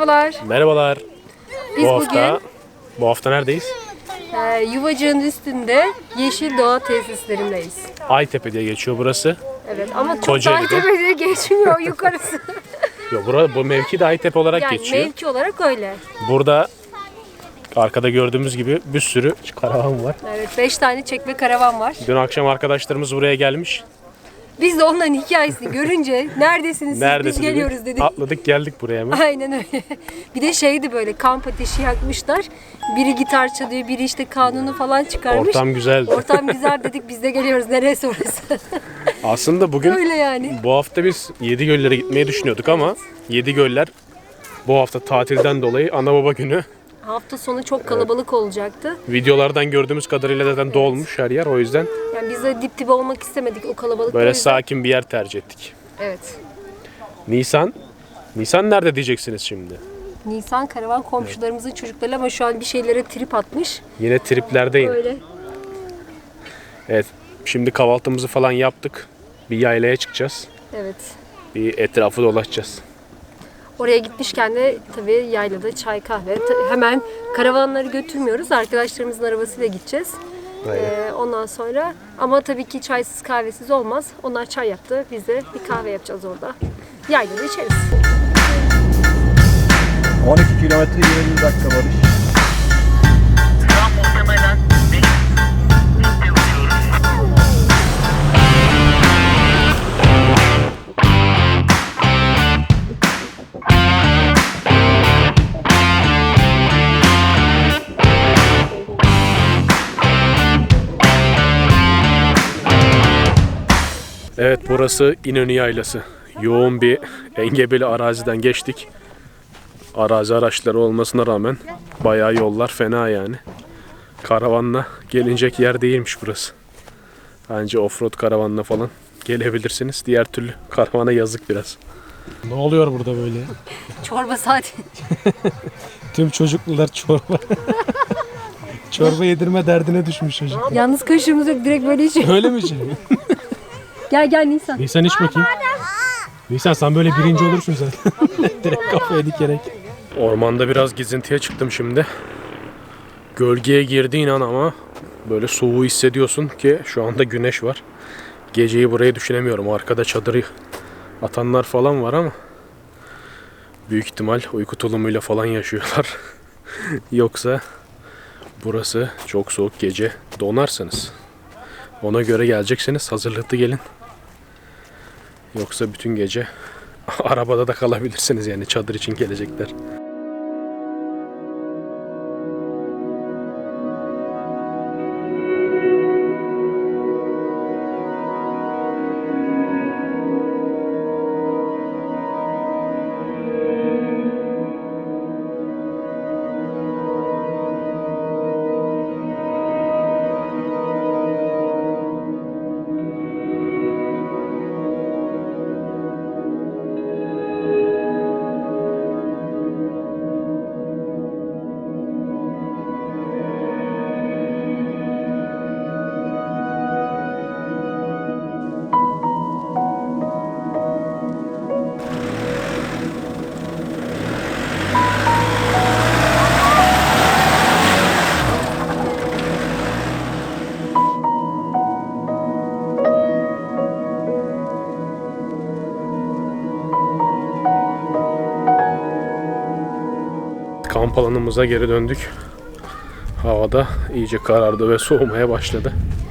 Merhabalar. Merhabalar. Biz Bu hafta neredeyiz? Yuvacık'ın üstünde Yeşil Doğa tesislerindeyiz. Aytepe diye geçiyor burası. Evet ama çok da Kocaeli'de. Aytepe diye geçmiyor yukarısı. Yok, bu mevki de Aytepe olarak Yani geçiyor. mevki olarak öyle. Burada arkada gördüğümüz gibi bir sürü karavan var. Evet 5 tane çekme karavan var. Dün akşam arkadaşlarımız buraya gelmiş. Biz de onların hikayesini görünce neredesiniz siz biz geliyoruz dedik. Atladık geldik buraya mı? Aynen öyle. Bir de şeydi böyle kamp ateşi yakmışlar. Biri gitar çalıyor, biri işte kanunu falan çıkarmış. Ortam güzeldi. Ortam güzel dedik biz de geliyoruz. Neresi orası? Aslında bugün Öyle yani. bu hafta biz Yedigöller'e gitmeyi düşünüyorduk ama Yedigöller bu hafta tatilden dolayı ana baba günü. Hafta sonu çok kalabalık olacaktı. Videolardan gördüğümüz kadarıyla zaten dolmuş her yer, o yüzden Yani biz de dip dibe olmak istemedik o kalabalıkta. böyle sakin bir yer tercih ettik. Evet. Nisan nerede diyeceksiniz şimdi? Nisan karavan komşularımızın çocukları ama şu an bir şeylere trip atmış. Yine triplerdeyim. Öyle. Evet, şimdi kahvaltımızı falan yaptık. Bir yaylaya çıkacağız. Evet. Bir etrafı dolaşacağız. Oraya gitmişken de tabii yaylada çay kahve. Hemen karavanları götürmüyoruz. Arkadaşlarımızın arabasıyla gideceğiz. Ondan sonra ama tabii ki çaysız kahvesiz olmaz. Onlar çay yaptı. Biz de bir kahve yapacağız orada. Yaylada içeriz. 12 kilometre 20 dakika Barış. Muhtemelen birlikte uçuyoruz. Evet, burası İnönü Yaylası. Yoğun bir engebeli araziden geçtik. Arazi araçları olmasına rağmen bayağı yollar fena yani. Karavanla gelinecek yer değilmiş burası. Bence offroad karavanla falan gelebilirsiniz. Diğer türlü karavana yazık biraz. Ne oluyor burada böyle? Çorba saati. Tüm çocuklular çorba. Çorba yedirme derdine düşmüş çocuk. Yalnız kaşığımız yok. Direkt böyle içiyor. Öyle mi şey? Gel Nisan. Nisan iç bakayım. Nisan sen böyle birinci olursun zaten. Direkt kafaya dikerek. Ormanda biraz gezintiye çıktım şimdi. Gölgeye girdiğin an ama böyle soğuğu hissediyorsun ki şu anda güneş var. Geceyi burayı düşünemiyorum. Arkada çadırı atanlar falan var ama büyük ihtimal uyku tulumuyla falan yaşıyorlar. Yoksa burası çok soğuk, gece donarsınız. Ona göre geleceksiniz. Hazırlıklı gelin. Yoksa bütün gece arabada da kalabilirsiniz yani, çadır için gelecekler. Kamp alanımıza geri döndük. Havada iyice karardı ve soğumaya başladı.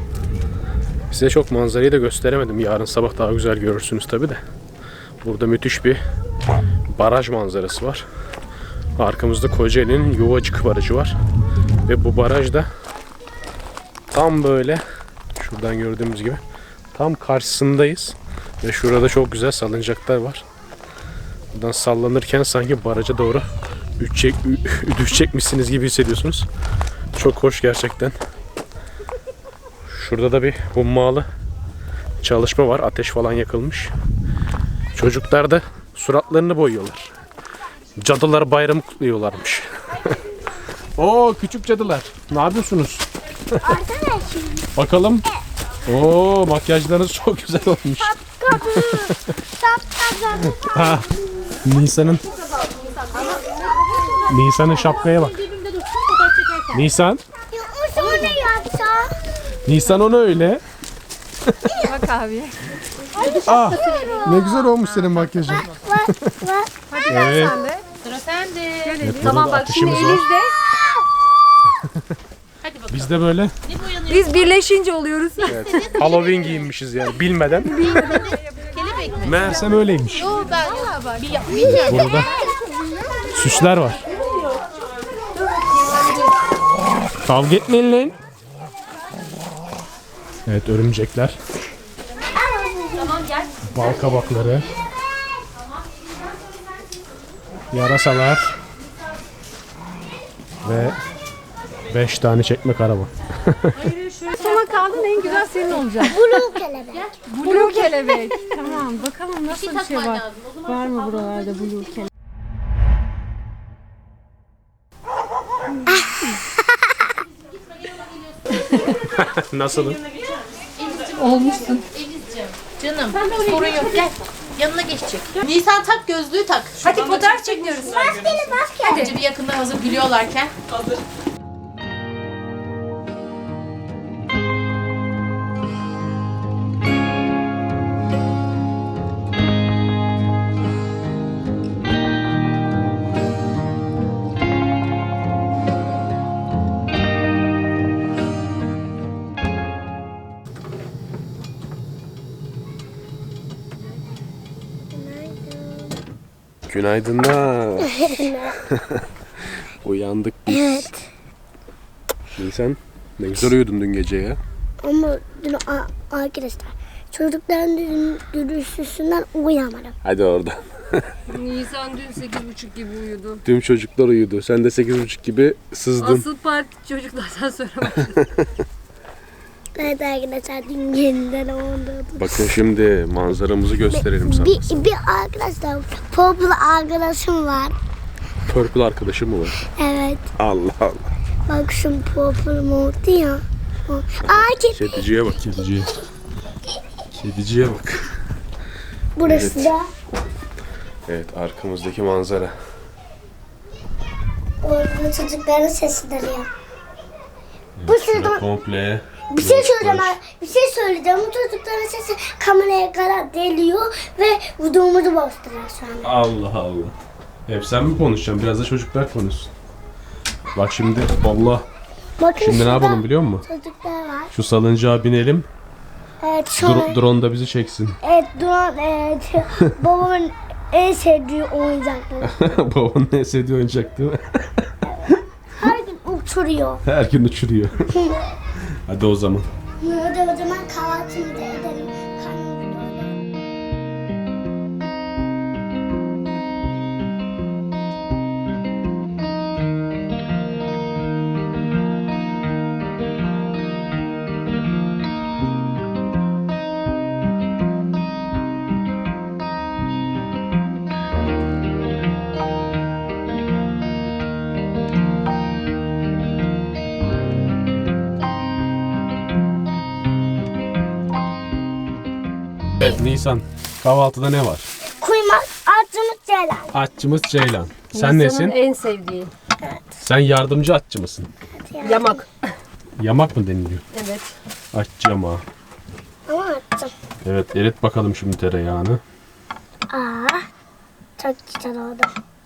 Size çok manzarayı da gösteremedim. Yarın sabah daha güzel görürsünüz tabi de. Burada müthiş bir baraj manzarası var. Arkamızda Kocaeli'nin Yuvacık Barajı var. Ve bu baraj da tam böyle şuradan gördüğümüz gibi tam karşısındayız. Ve şurada çok güzel salıncaklar var. Buradan sallanırken sanki baraja doğru düşecekmişsiniz gibi hissediyorsunuz. Çok hoş gerçekten. Şurada da bir hummalı çalışma var. Ateş falan yakılmış. Çocuklar da suratlarını boyuyorlar. Cadılar bayramı kutluyorlarmış. Oo, küçük cadılar. Ne yapıyorsunuz? Bakalım. Oo, makyajlarınız çok güzel olmuş. Nisan'ın Nisan'ın şapkaya bak. Nisan. O sonra yapsa. Nisan onu öyle. Bak abi. Ah, ne güzel olmuş senin makyajın. Evet. Sıra sende. Evet, Tamam burada bak şimdi atışımız var. Eliz'de Hadi bakalım. Biz de böyle Ne boyanıyor? biz birleşince oluyoruz. Halloween giyinmişiz yani bilmeden. Kelebek mi? Meğersem öyleymiş. Yo ben bilmiyorum. Burada süsler var. Kavga etmeyin lan. Evet, örümcekler. Bal kabakları. Yarasalar. Ve 5 tane çekmek araba. Sona kaldın en güzel senin olacak. Blue kelebek. Blue kelebek. Tamam bakalım nasıl bir şey Takman var. lazım. O zaman Var mı buralarda blue kelebek? Nasıl? Olmuşsun. Elizciğim. Canım sorun yok gel. Yanına geçecek. Nisan tak gözlüğü tak. Hadi fotoğraf çekiyoruz. Önce bir yakında hazır gülüyorlarken. Günaydınlar. Uyandık biz. Evet. Nisan, ne güzel uyudun dün gece ya. Ama dün arkadaşlar çocukların dürüstlüğünden uyuyamadım. Hadi oradan. Nisan dün 8.30 gibi uyudu. Tüm çocuklar uyudu. Sen de 8.30 gibi sızdın. Asıl parti çocuklardan sonra başladı. Evet arkadaşlar dün yeniden oldu. Bakın şimdi manzaramızı gösterelim sana. Bir arkadaşlar Purple arkadaşım var. Purple arkadaşım mı var? Evet. Allah Allah. Bak şu Purple oldu ya. Kediciye bak, kediciye. Kediciye bak. Burası Evet. da Evet, arkamızdaki manzara. orada çocukların sesidir ya. Bu Şöyle sırada komple. bir şey söyleyeceğim. Bir şey söyleyeceğim. Bu çocukların sesi kameraya kadar deliyor ve vücudumuzu bastırıyor şu an. Allah Allah. Hep sen mi konuşacaksın? Biraz da çocuklar konuşsun. Bak şimdi Allah. Bakın Şimdi ne şurada yapalım biliyor musun? çocuklar var. Şu salıncağa binelim. Evet şöyle. Drone da bizi çeksin. Evet drone evet. Babamın en sevdiği oyuncakları. Babanın ne sevdiği oyuncak değil mi? Her gün uçuruyor. Her gün uçuruyor. Hadi o zaman. Hadi o zaman kahvaltımızı edelim. Karnımızı doyuralım. Evet Nisan. Kahvaltıda ne var? Kuymak acımız ceylan. Atçımız Ceylan. Sen Nisan'ın nesin? en sevdiği. Sen yardımcı atçı mısın? Yamak. Yamak mı deniliyor? Evet. Atçı yamağı. Ama attım. Evet, erit bakalım şimdi tereyağını. Aa, çok güzel oldu.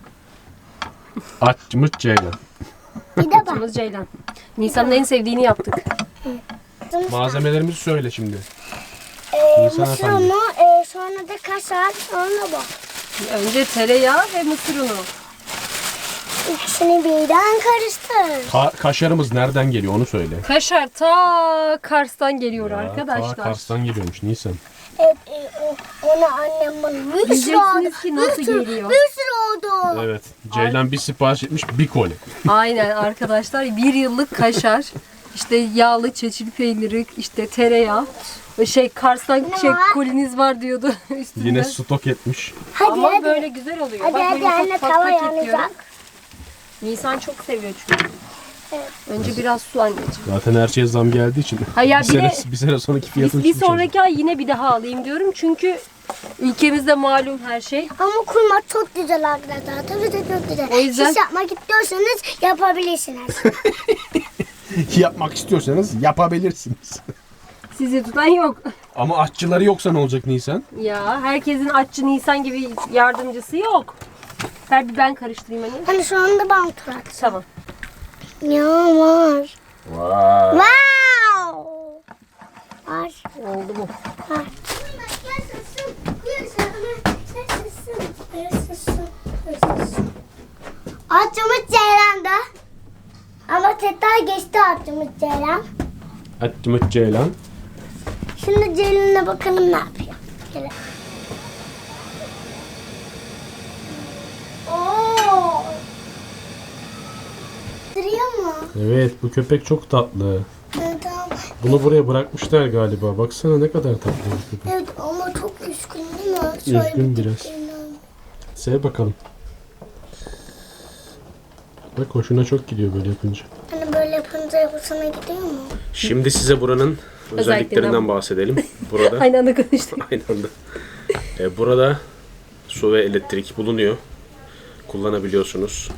Atçımız Ceylan. Bir de bak. Atımız Ceylan. Nisan'ın en sevdiğini yaptık. Malzemelerimizi söyle şimdi. Nisan Mısır efendi. unu, sonra da kaşar, sonra bu. Önce tereyağı ve mısır unu. İkisini birden karıştır. Kaşarımız nereden geliyor onu söyle. Kaşar ta Kars'tan geliyor Ta arkadaşlar. Kars'tan geliyormuş Nisan. Evet, onu annem bana bir sürü oldu. Diyeceksiniz ki nasıl geliyor? Bir sürü oldu. Evet. Ceylan bir sipariş etmiş bir koli. Aynen arkadaşlar 1 yıllık kaşar. İşte yağlı çeçil peyniri, işte tereyağı. Kars'tan koliniz var diyordu üstünde. Yine stok etmiş. Hadi Ama hadi. böyle güzel oluyor. Hadi Bak hadi böyle anne ufak tava ufak ekliyorum. yanacak. Nisan çok seviyor çünkü. Evet. Önce biraz su anneciğim. Zaten her şeye zam geldiği için. Hayır, bir bir de sene sonraki fiyatı bir uçmuş sonraki ay yine bir daha alayım diyorum. Çünkü Ülkemizde malum her şey. Ama kurmak çok güzel arkadaşlar. Tabii de çok güzel. O yüzden- Siz yapmak istiyorsanız yapabilirsiniz. Yapmak istiyorsanız yapabilirsiniz. Sizi tutan yok. Ama aşçıları yoksa ne olacak Nisan? Ya herkesin aşçı Nisan gibi yardımcısı yok. Ver bir ben karıştırayım hani. Hani şu anda ben oturak. Tamam. Ya var. Vay. Wow. Var. Oldu mu? Var. Atçımız Ceylan'da. Ama tekrar geçti atçımız Ceylan. Atçımız Ceylan. Şimdi Ceylan'a bakalım ne yapıyor. Gel. Oo. Duruyor mu? Evet, bu köpek çok tatlı. Tamam. Bunu buraya bırakmışlar galiba. Baksana ne kadar tatlı bir köpek. Evet ama çok üzgün değil mi? Şöyle Üzgün bir biraz. bakayım. Sev bakalım. Bak hoşuna çok gidiyor böyle yapınca. Hani böyle yapınca hoşuna gidiyor mu? Şimdi size buranın özelliklerinden bahsedelim. Burada Aynı anda konuştuk. aynı anda. Burada su ve elektrik bulunuyor. Kullanabiliyorsunuz.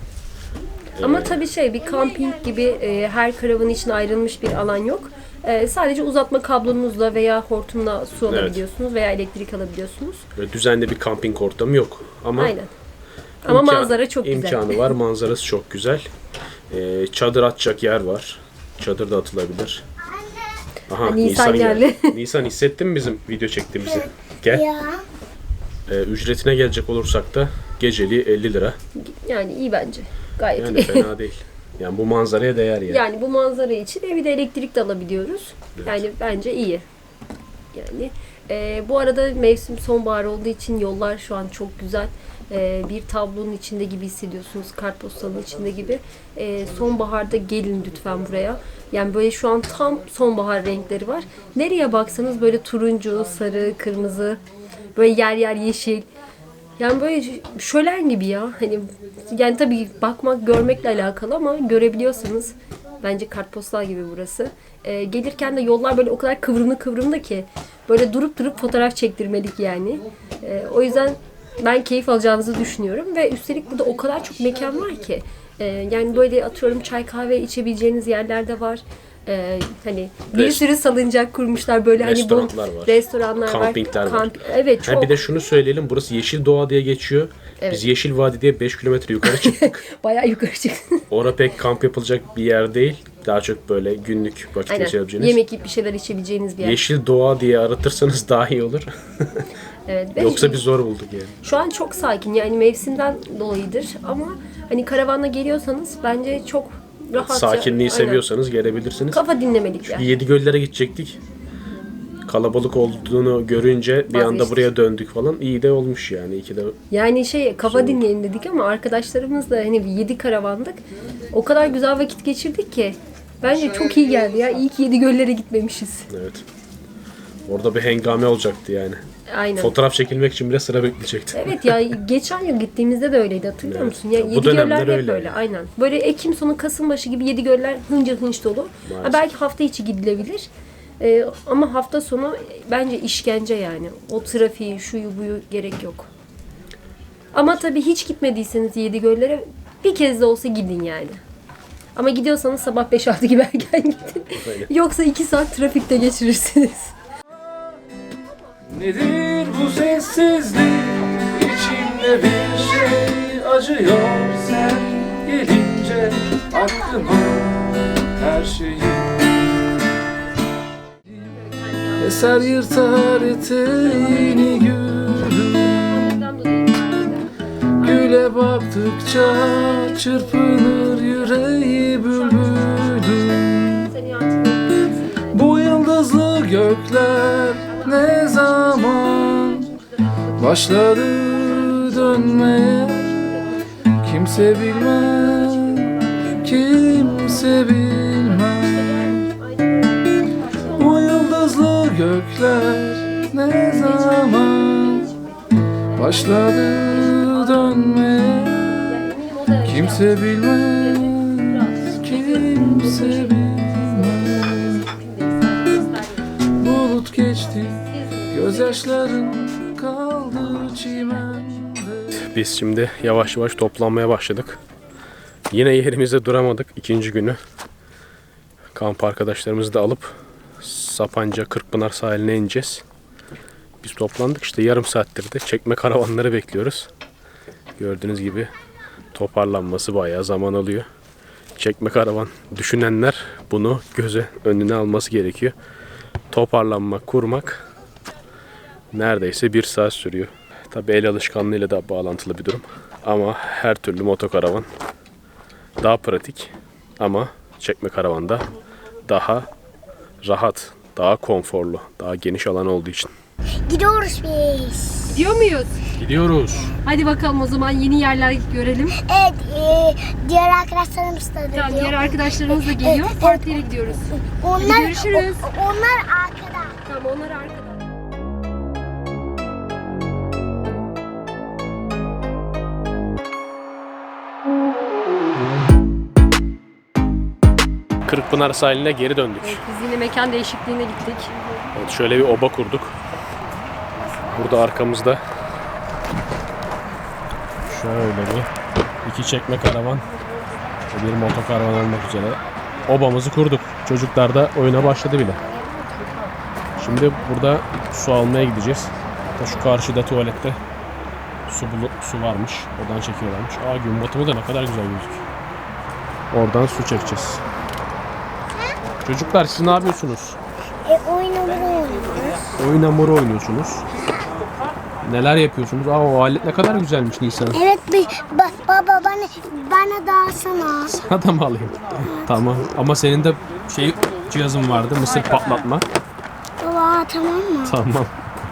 Ama tabii bir kamping gibi her karavan için ayrılmış bir alan yok. Sadece uzatma kablonuzla veya hortumla su alabiliyorsunuz veya elektrik alabiliyorsunuz. Böyle düzenli bir kamping ortamı yok. Ama Aynen. Ama manzara çok güzel. İmkanı var. Manzarası çok güzel. Çadır atacak yer var. Çadır da atılabilir. Aha, Nisan geldi. Nisan hissettin mi bizim video çektiğimizi? Gel. Ya. Ücretine gelecek olursak da geceliği 50 lira. Yani iyi bence. Gayet Yani iyi. fena değil. Yani bu manzaraya değer yani. Yani bu manzara için bir de elektrik de alabiliyoruz. Yani bence iyi. Yani bu arada mevsim sonbahar olduğu için yollar şu an çok güzel. Bir tablonun içinde gibi hissediyorsunuz. Kartpostalın içinde gibi. Sonbaharda gelin lütfen buraya. Yani böyle şu an tam sonbahar renkleri var. Nereye baksanız böyle turuncu, sarı, kırmızı, böyle yer yer yeşil. Yani böyle şölen gibi ya. Hani yani tabii bakmak, görmekle alakalı ama görebiliyorsanız bence kartpostal gibi burası. Gelirken de yollar böyle o kadar kıvrımlı ki böyle durup fotoğraf çektirmelik yani. O yüzden ben keyif alacağınızı düşünüyorum ve üstelik burada o kadar çok mekan var ki. Yani böyle atıyorum çay kahve içebileceğiniz yerler de var. Hani bir sürü salıncak kurmuşlar böyle Restoranlar hani bu var. restoranlar Kampingler var. Evet çok. Bir de şunu söyleyelim. Burası Yeşil Doğa diye geçiyor. Evet. Biz Yeşil Vadi diye 5 kilometre yukarı çıktık. Bayağı yukarı çıktı. Orada pek kamp yapılacak bir yer değil. Daha çok böyle günlük vakit Aynen. geçirebileceğiniz. Yemek yiyip bir şeyler içebileceğiniz bir yer. Yeşil Doğa diye aratırsanız daha iyi olur. Evet. ve Yoksa biz zor bulduk yani. şu an çok sakin yani mevsimden dolayıdır ama hani karavanla geliyorsanız bence çok rahat. Sakinliği Aynen. seviyorsanız gelebilirsiniz. Kafa dinlemelik yer. Yedi-Göllere gidecektik. Kalabalık olduğunu görünce bir anda Vazgeçtik. buraya döndük falan. İyi de olmuş yani. İyi ki de Yani kafa dinleyelim dedik ama arkadaşlarımızla hani 7 karavandık. O kadar güzel vakit geçirdik ki. Bence çok iyi geldi ya. İyi ki Yedigöller'e gitmemişiz. evet. Orada bir hengame olacaktı yani. Aynen. Fotoğraf çekilmek için bile sıra bekleyecekti. Evet ya geçen yıl gittiğimizde de öyleydi hatırlıyor musun? Ya Bu Yedigöller dönemler hep öyle. böyle aynen. Böyle Ekim sonu Kasım başı gibi Yedigöller hınca hınç dolu. Ha, belki hafta içi gidilebilir. Ama hafta sonu bence işkence yani. O trafiği, şuyu buyu gerek yok. Ama tabii hiç gitmediyseniz Yedigöller'e bir kez de olsa gidin yani. Ama gidiyorsanız sabah 5-6 gibi erken gidin. Yoksa 2 saat trafikte geçirirsiniz. Nedir bu sessizlik? İçimde bir şey acıyor sen gelince aklıma her şeyi. Eser yırtar eteğini gülüm. Güle baktıkça çırpınır yüreği bülbülüm. Bu yıldızlı gökler ne zaman başladı dönmeye? Kimse bilmez, kimse bilmez. Bu yıldızlı gökler ne zaman başladı dönmeye? Kimse bilmez, kimse bilmez. Bulut geçti, gözyaşların kal. kaldı çimende. Biz şimdi yavaş yavaş toplanmaya başladık. Yine yerimizde duramadık ikinci günü. Kamp arkadaşlarımızı da alıp Sapanca Kırkpınar sahiline ineceğiz. Biz toplandık işte yarım saattir de çekme karavanları bekliyoruz. Gördüğünüz gibi toparlanması bayağı zaman alıyor. Çekme karavan düşünenler bunu göze önüne alması gerekiyor. Toparlanmak, kurmak neredeyse 1 saat sürüyor. Tabii el alışkanlığıyla da bağlantılı bir durum. Ama her türlü motokaravan daha pratik ama çekme karavanda daha rahat, daha konforlu, daha geniş alan olduğu için. Gidiyoruz biz. Gidiyor muyuz? Gidiyoruz. Hadi bakalım o zaman yeni yerler görelim. Evet, diğer arkadaşlarımız da Tamam, geliyor. diğer arkadaşlarımız da geliyor. Evet. Farklı yere gidiyoruz. Onlar, görüşürüz. Onlar arkada. Tamam, onlar arkada. Kırkpınar sahiline geri döndük. Evet, biz yine mekan değişikliğine gittik. Evet, şöyle bir oba kurduk. Burada arkamızda şöyle iki çekme karavan ve bir motokaravan olmak üzere obamızı kurduk. Çocuklar da oyuna başladı bile. Şimdi burada su almaya gideceğiz. Hatta şu karşıda tuvalette su varmış. Oradan çekiyorlarmış. Gün batımı da ne kadar güzel gözüküyor. Oradan su çekeceğiz. Çocuklar siz ne yapıyorsunuz? Oyun oynuyoruz. Oyun hamuru oynuyorsunuz. Neler yapıyorsunuz? O alet ne kadar güzelmiş Nisan. Evet, baba bana da alsana. Sana da mı alayım? Tamam. Ama senin de cihazın vardı. Mısır patlatma. Baba tamam mı? Tamam.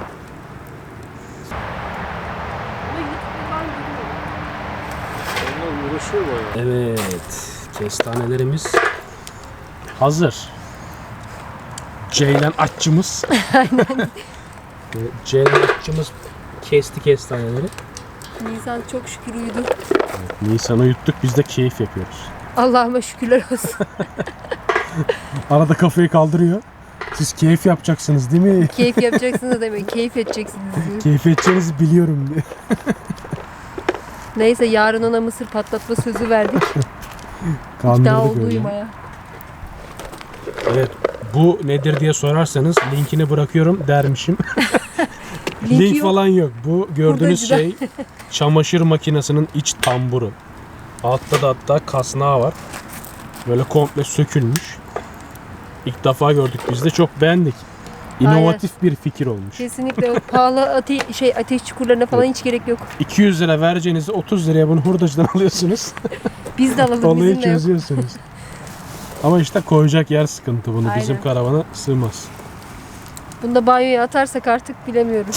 Evet. Kestanelerimiz hazır. Ceylan aşçımız. Ceylan aşçımız kesti kestaneleri. Nisan çok şükür uyudu. Nisan'ı yuttuk, biz de keyif yapıyoruz. Allah'ıma şükürler olsun. Arada kafayı kaldırıyor. Siz keyif yapacaksınız değil mi? Keyif yapacaksınız demek. Keyif edeceksiniz. Keyif edeceğinizi biliyorum diye. Neyse, yarın ona mısır patlatma sözü verdik. İkna Kandırdık oldu öyle. uyumaya. Evet, bu nedir diye sorarsanız linkini bırakıyorum dermişim. Linki Link yok. falan yok. Bu gördüğünüz Burada şey çamaşır makinesinin iç tamburu. Altta da hatta kasnağı var. Böyle komple sökülmüş. İlk defa gördük biz de, çok beğendik. İnovatif bir fikir olmuş. Kesinlikle o pahalı ateş çukurlarına falan hiç gerek yok. 200 lira vereceğinizi 30 liraya bunu hurdacıdan alıyorsunuz. Biz de alalım, Olayı bizim de yok. çözüyorsunuz. Ama işte koyacak yer sıkıntı bunu. Bizim Aynen. karavana sığmaz. Bunu da banyoya atarsak artık bilemiyorum.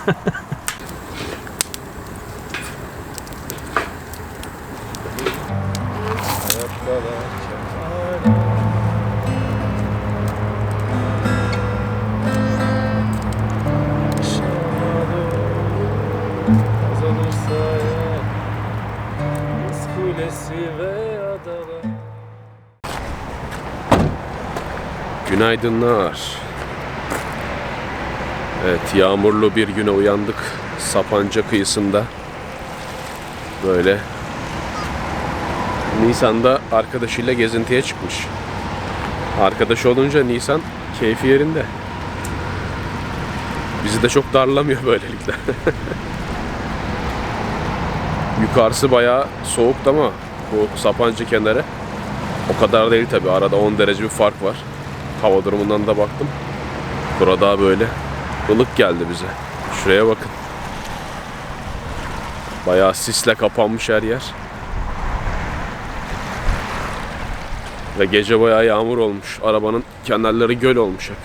Günaydınlar. Evet, yağmurlu bir güne uyandık. Sapanca kıyısında. Böyle. Nisan'da arkadaşıyla gezintiye çıkmış. Arkadaş olunca Nisan keyfi yerinde. Bizi de çok darlamıyor böylelikle. Yukarısı bayağı soğuktu ama bu Sapanca kenarı o kadar değil tabi. Arada 10 derece bir fark var. Hava durumundan da baktım. Burada böyle ılık geldi bize. Şuraya bakın. Bayağı sisle kapanmış her yer. Ve gece bayağı yağmur olmuş. Arabanın kenarları göl olmuş hep.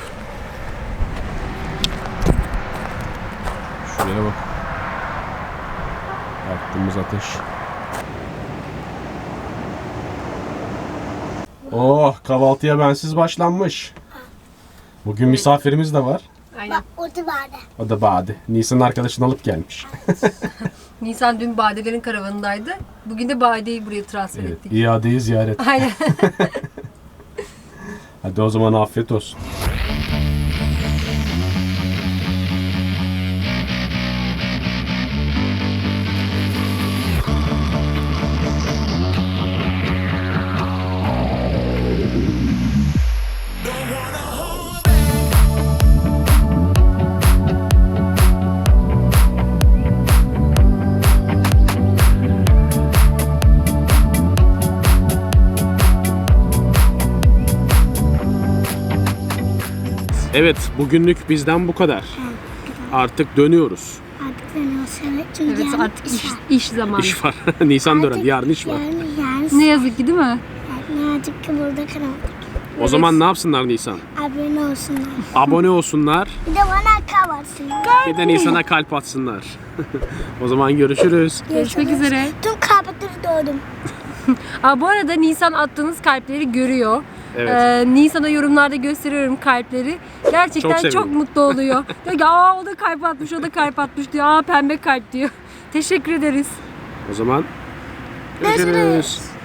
Şuraya bak. Yaktığımız ateş. Oh, kahvaltıya bensiz başlanmış. Bugün misafirimiz de var. Aynen. O da vardı. O da Bade. Nisan'ın arkadaşını alıp gelmiş. Nisan dün Badelerin karavanındaydı. Bugün de Bade'yi buraya transfer Evet, ettik. iadeyi ziyaret. Aynen. Hadi o zaman afiyet olsun. Evet, bugünlük bizden bu kadar. Artık dönüyoruz. Artık dönüyoruz evet. Çünkü Evet yarın artık iş var. iş zamanı. İş var. Nisan dönem, yarın iş var. Yarın Ne yazık ki değil mi? ne yazık ki burada kalamadık. O zaman ne yapsınlar Nisan? Abone olsunlar. Abone olsunlar. Bir de bana kahvaltısınlar. Bir de Nisan'a kalp atsınlar. O zaman görüşürüz. Görüşmek üzere. Tüm kalpleri doğdum. Bu arada Nisan attığınız kalpleri görüyor. Evet. Nisan'a yorumlarda gösteriyorum kalpleri. Gerçekten Çok çok, sevindim. mutlu oluyor. Diyor ki o da kalp atmış, o da kalp atmış diyor. Pembe kalp diyor. Teşekkür ederiz. O zaman görüşürüz.